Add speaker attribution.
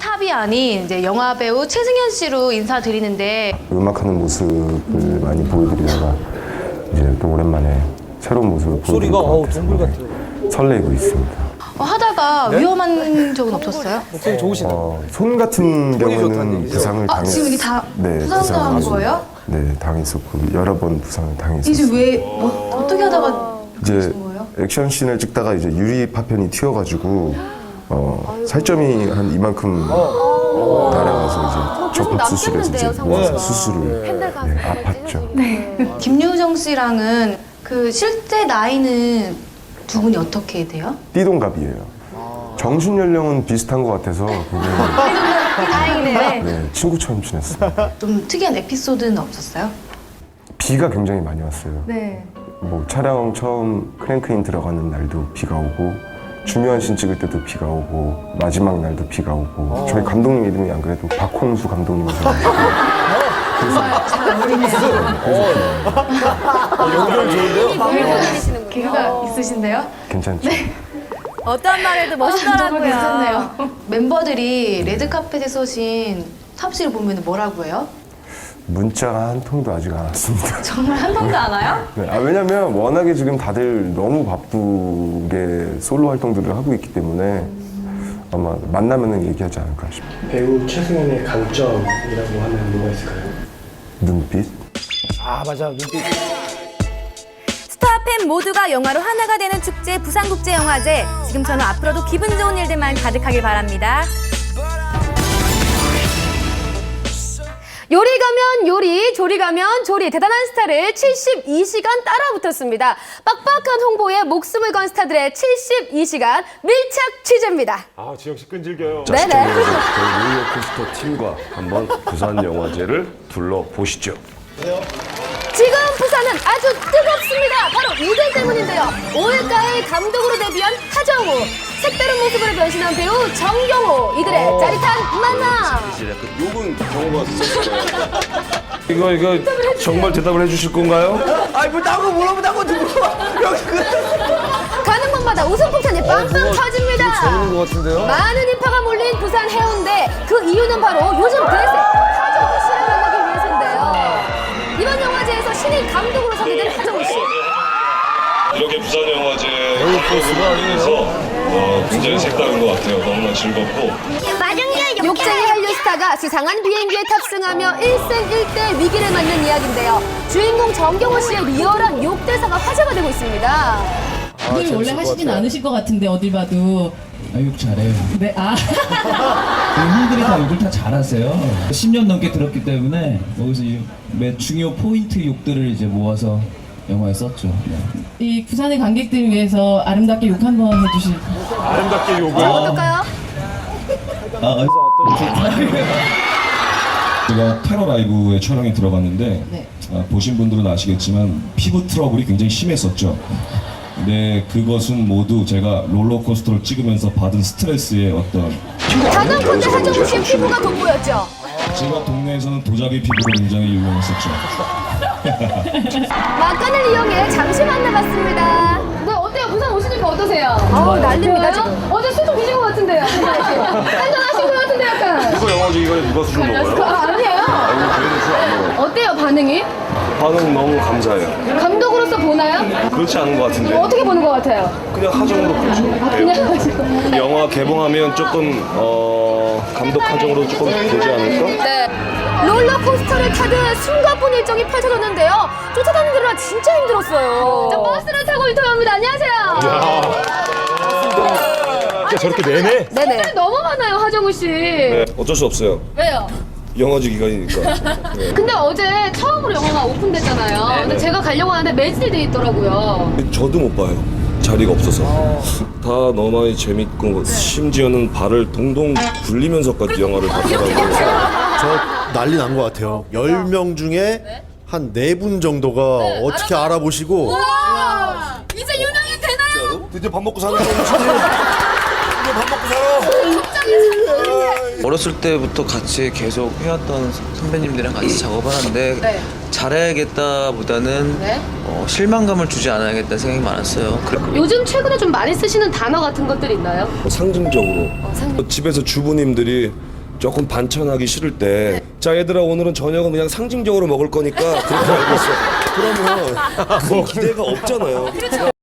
Speaker 1: 탑이 아닌 이제 영화 배우 최승현 씨로 인사드리는데
Speaker 2: 음악하는 모습을 많이 보여드리다가 이제 또 오랜만에 새로운 모습을 보여드릴 것 같아서 설레고 있습니다.
Speaker 1: 하다가 위험한 적은 없었어요?
Speaker 3: 목소리 좋으시다.
Speaker 2: 손 같은 경우는 부상을
Speaker 1: 지금 이게 다 부상당한 거예요?
Speaker 2: 네, 당했었고 여러 번 부상을
Speaker 1: 이제
Speaker 2: 당했었어요.
Speaker 1: 왜 어떻게 하다가
Speaker 2: 이제
Speaker 1: 그러신 거예요?
Speaker 2: 액션씬을 찍다가 이제 유리 파편이 튀어가지고 살점이 한 이만큼 날아가서 이제 접합 수술에서 이제 모아서 수술을 아팠죠.
Speaker 1: 김유정 씨랑은 그 실제 나이는 두 분이 어떻게 돼요?
Speaker 2: 띠동갑이에요. 정신 연령은 비슷한 것 같아서
Speaker 1: 다행이네요.
Speaker 2: 네, 친구처럼 지냈어요.
Speaker 1: 좀 특이한 에피소드는 없었어요?
Speaker 2: 비가 굉장히 많이 왔어요.
Speaker 1: 네.
Speaker 2: 뭐 촬영 처음 크랭크인 들어가는 날도 비가 오고 중요한 씬 찍을 때도 비가 오고 마지막 날도 비가 오고 저희 감독님 이름이 안 그래도 박홍수 감독님이셔가지고
Speaker 1: 잘 어울리네요.
Speaker 3: 연결 좋은데요?
Speaker 1: 개그가 있으신데요?
Speaker 2: 괜찮죠?
Speaker 4: 어떤 말 해도
Speaker 1: 정말
Speaker 4: 멋있더라고요.
Speaker 1: 괜찮네요. 멤버들이 레드카펫에 서신 탑 씨를 보면 뭐라고 해요?
Speaker 2: 문자가 한 통도 아직 안 왔습니다.
Speaker 1: 정말 한 번도 안 와요?
Speaker 2: 네, 왜냐면 워낙에 지금 다들 너무 바쁘게 솔로 활동들을 하고 있기 때문에 아마 만나면은 얘기하지 않을까 싶어요.
Speaker 5: 배우 최승현의 강점이라고 하면 뭐가 있을까요?
Speaker 2: 눈빛?
Speaker 3: 아 맞아 눈빛.
Speaker 4: 스타팬 모두가 영화로 하나가 되는 축제 부산국제영화제. 지금처럼 앞으로도 기분 좋은 일들만 가득하길 바랍니다. 요리 가면 요리, 조리 가면 조리. 대단한 스타를 72시간 따라붙었습니다. 빡빡한 홍보에 목숨을 건 스타들의 72시간 밀착 취재입니다.
Speaker 6: 아, 지영 씨 끈질겨요.
Speaker 4: 네네.
Speaker 7: 롤러코스터 팀과 한번 부산 영화제를 둘러보시죠.
Speaker 4: 지금 부산은 아주 뜨겁습니다. 바로 이들 때문인데요. 5일가의 감독으로 데뷔한 하정우, 색다른 모습으로 변신한 배우 정경호, 이들의 짜릿한 만남.
Speaker 7: 요건 경호가 있었어요. 이거 정말 대답을 해주실 건가요?
Speaker 3: 아이 뭐 나고 물어보다고 누구?
Speaker 4: 가는 곳마다 웃음 폭탄이 빵빵 터집니다.
Speaker 3: 재밌는 것 같은데요?
Speaker 4: 많은 인파가 몰린 부산 해운대. 그 이유는 바로 요즘 대세 하정우 씨를 만나기 위해서인데요. 이번 영화제에서 신인 감독으로 서게 된 하정우 씨.
Speaker 6: 이렇게 부산 영화제 프로그램을 인해서 굉장히 색다른 것 같아요. 너무나 즐겁고.
Speaker 4: 욕쟁이 한류 스타가 수상한 비행기에 탑승하며 일생일대 위기를 맞는 이야기인데요. 주인공 정경호 씨의 리얼한 욕 대사가 화제가 되고 있습니다.
Speaker 8: 욕을 원래 하시진 않으실 것 같은데 어딜 봐도.
Speaker 9: 욕 잘해요.
Speaker 8: 네,
Speaker 9: 형들이 다 욕을 다 잘하세요. 10년 넘게 들었기 때문에 거기서 매 중요 포인트 욕들을 이제 모아서 영화에 썼죠.
Speaker 8: 이 부산의 관객들을 위해서 아름답게 욕 한번 해주실.
Speaker 6: 아름답게 욕을.
Speaker 4: 어떨까요?
Speaker 9: 제가 테러 라이브에 촬영에 들어갔는데
Speaker 8: 네.
Speaker 9: 보신 분들은 아시겠지만 피부 트러블이 굉장히 심했었죠. 근데 그것은 모두 제가 롤러코스터를 찍으면서 받은 스트레스의 어떤
Speaker 4: 단언컨대 하정우 씨의 피부가 돋보였죠.
Speaker 9: 제가 동네에서는 도자기 피부로 굉장히 유명했었죠.
Speaker 4: 막간을 이용해 잠시 만나봤습니다.
Speaker 10: 네, 어때요? 부산 오시니까 어떠세요?
Speaker 4: 난립니다
Speaker 10: 좋아요?
Speaker 4: 지금.
Speaker 10: 어제 술좀 드신 것 같은데요? 한잔하신 것 같은데 약간.
Speaker 7: 이거 영화제 이거에 누가 수준 먹어요?
Speaker 10: 아니에요?
Speaker 7: 아이고, 저희는 술안 먹어요.
Speaker 10: 어때요, 반응이?
Speaker 7: 반응 너무 감사해요.
Speaker 10: 감독으로서 보나요?
Speaker 7: 그렇지 않은 것 같은데.
Speaker 10: 어떻게 보는 것 같아요?
Speaker 7: 그냥 하정으로 보죠.
Speaker 10: 그냥 하시고.
Speaker 7: 영화 개봉하면 조금 감독 하정으로 조금 되지 않을까?
Speaker 4: 네. 롤러코스터를 타듯 숨가쁜 일정이 펼쳐졌는데요. 쫓아다니느라 진짜 힘들었어요.
Speaker 10: 저 버스를 타고 인터뷰합니다. 안녕하세요.
Speaker 6: 저렇게 내내?
Speaker 4: 네네.
Speaker 10: 너무 많아요, 하정우 씨.
Speaker 7: 네, 어쩔 수 없어요.
Speaker 10: 왜요?
Speaker 7: 영화제 기간이니까. 네.
Speaker 10: 근데 어제 처음으로 영화가 오픈됐잖아요. 근데 제가 가려고 하는데 매진이 돼 있더라고요.
Speaker 7: 저도 못 봐요. 자리가 없어서. 다 너무 재밌고 심지어는 발을 동동 굴리면서까지 영화를 봤더라고요.
Speaker 11: 저 난리 난 것 같아요. 10명 중에 한 4분 정도가 어떻게 알아보시고
Speaker 10: 이제 유명인 되나요?
Speaker 7: 드디어 밥 먹고 사는 거지. 드디어 밥 먹고 살아.
Speaker 12: 어렸을 때부터 같이 계속 해왔던 선배님들이랑 같이 작업을 하는데 잘해야겠다보다는 실망감을 주지 않아야겠다는 생각이 많았어요.
Speaker 10: 요즘 최근에 좀 많이 쓰시는 단어 같은 것들 있나요?
Speaker 7: 상징적으로 집에서 주부님들이 조금 반찬하기 싫을 때 자 얘들아 오늘은 저녁은 그냥 상징적으로 먹을 거니까 그렇게 알고 있어. 그러면 그 기대가 없잖아요.